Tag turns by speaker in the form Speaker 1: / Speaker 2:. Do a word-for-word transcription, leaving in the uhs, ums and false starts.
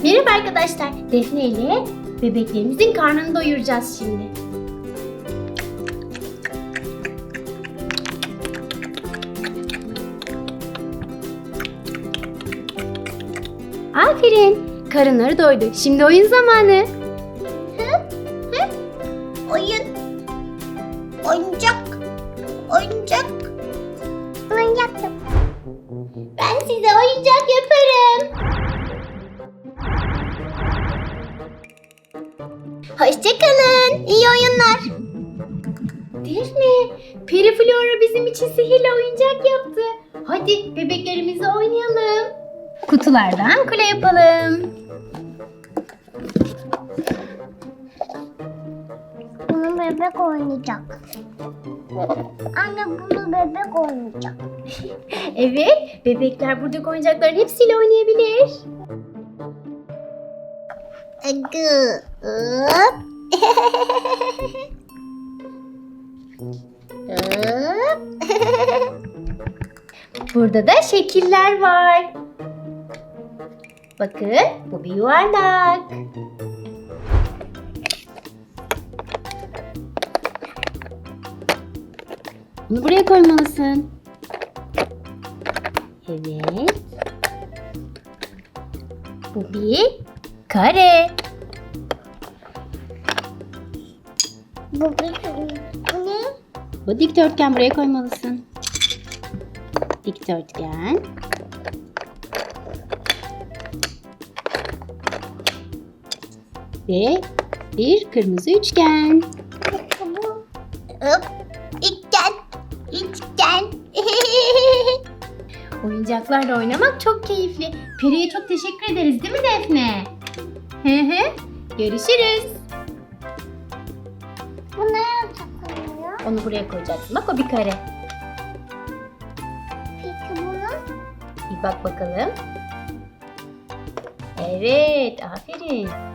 Speaker 1: Merhaba arkadaşlar. Defne ile bebeklerimizin karnını doyuracağız şimdi. Aferin. Karınları doydu. Şimdi oyun zamanı.
Speaker 2: Hı? Hı? Oyun. Oyuncak. Oyuncak. Oyuncak yap. Ben size oyuncak yaparım. Hoşçakalın. İyi oyunlar.
Speaker 1: Defne, Periflora bizim için sihirli oyuncak yaptı. Hadi bebeklerimizle oynayalım. Kutulardan kule yapalım.
Speaker 2: Bunu bebek oynayacak. Anne bunu bebek oynayacak.
Speaker 1: Evet, bebekler buradaki oyuncakların hepsiyle oynayabilir.
Speaker 2: Gı. Hop. Hop.
Speaker 1: Burada da şekiller var. Bakın, bu bir yuvarlak. Bunu buraya koymalısın. Evet. Bu bir kare.
Speaker 2: Bu bir bu ne?
Speaker 1: Bu dikdörtgen, buraya koymalısın. Dikdörtgen. Ve bir kırmızı üçgen.
Speaker 2: Bu. Hop. İçten. İçten.
Speaker 1: Oyuncaklarla oynamak çok keyifli. Peri'ye çok teşekkür ederiz değil mi Defne? Hı hı. Görüşürüz.
Speaker 2: Bu ne yapacak?
Speaker 1: Onu buraya koyacaksın. Bak o bir kare.
Speaker 2: Peki bunu?
Speaker 1: Bir bak bakalım. Evet, aferin.